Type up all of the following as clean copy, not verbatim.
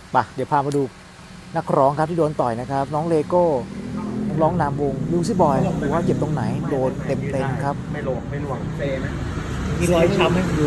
ป่ะเดี๋ยวพามาดูนักร้องครับที่โดนต่อยนะครับน้องเลโก้นักร้องนามวงลูซี่บอยดูว่าเจ็บตรงไหนโดนเต็มครับไม่ลงไม่ล่วงเซไหมมีรอยช้ำให้ดู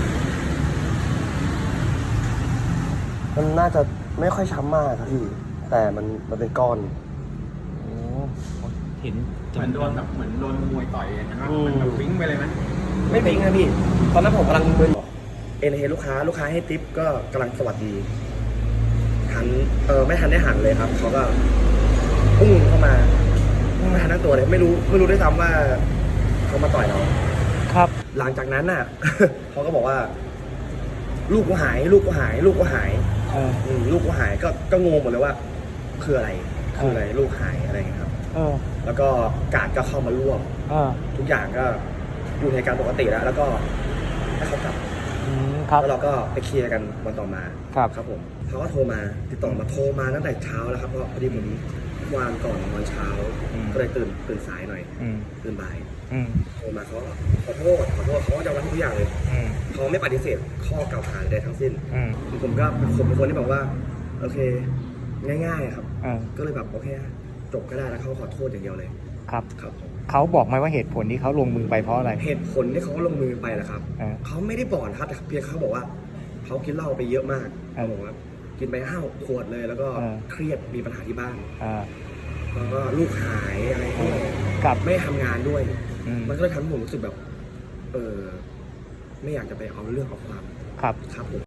มันน่าจะไม่ค่อยช้ำมากครับพี่แต่มันเป็นก้อนโอ้เห็นเหมือนโดนแบบเหมือนโดนมวยต่อยเห็นไหมมันแบบวิ่งไปเลยไหมไม่ปิ๊งนะพี่ตอนนั้นผมกำลังมึนเอ็นเฮลูกค้าให้ทิปก็กำลังสวัสดีหันไม่ทันได้หันเลยครับเขาก็พุ่งเข้ามาพุ่งมาทันทั้งตัวเลยไม่รู้ด้วยซ้ำว่าเขามาต่อยเราครับหลังจากนั้นน่ะ เขาก็บอกว่า ลูกกูหายลูกกูหายลูกกูหาย ลูกกูหายก็งงหมดเลยว่าคืออะไรลูกหายอะไรอย่างเงี้ยครับ แล้วก็กาดก็เข้ามารวบทุกอย่างก็อยู่ในการปกติแล้วก็ให้เขากลับครับแล้วเราก็ไปเคลียร์กันวันต่อมาครับผมเขาก็โทรมาติดต่อมาโทรมาตั้งแต่เช้าแล้วครับเพราะพอดีผมวางก่อนวันเช้าก็เลยตื่นสายหน่อยตื่นบ่ายโทรมาเขาขอโทษเขาก็จะรับทุกอย่างเลยเขาไม่ปฏิเสธข้อกล่าวหาใดทั้งสิ้นผมก็เป็นคนที่บอกว่าโอเคง่ายๆครับก็เลยแบบโอเคจบก็ได้แล้วเขาขอโทษอย่างเดียวเลยครับครับผมเขาบอกไหมว่าเหตุผลที่เขาลงมือไปเพราะอะไรเหตุผลที่เขาลงมือไปแหละครับเขาไม่ได้บอกนะครับแต่เพียงเขาบอกว่าเขากินเหล้าไปเยอะมากเขาบอกว่ากินไป5-6 ขวดเลยแล้วก็เครียดมีปัญหาที่บ้านแล้วก็ลูกหายอะไรไม่ทำงานด้วยมันก็เลยทำให้ผมรู้สึกแบบไม่อยากจะไปเอาเรื่องเอาความครับครับผม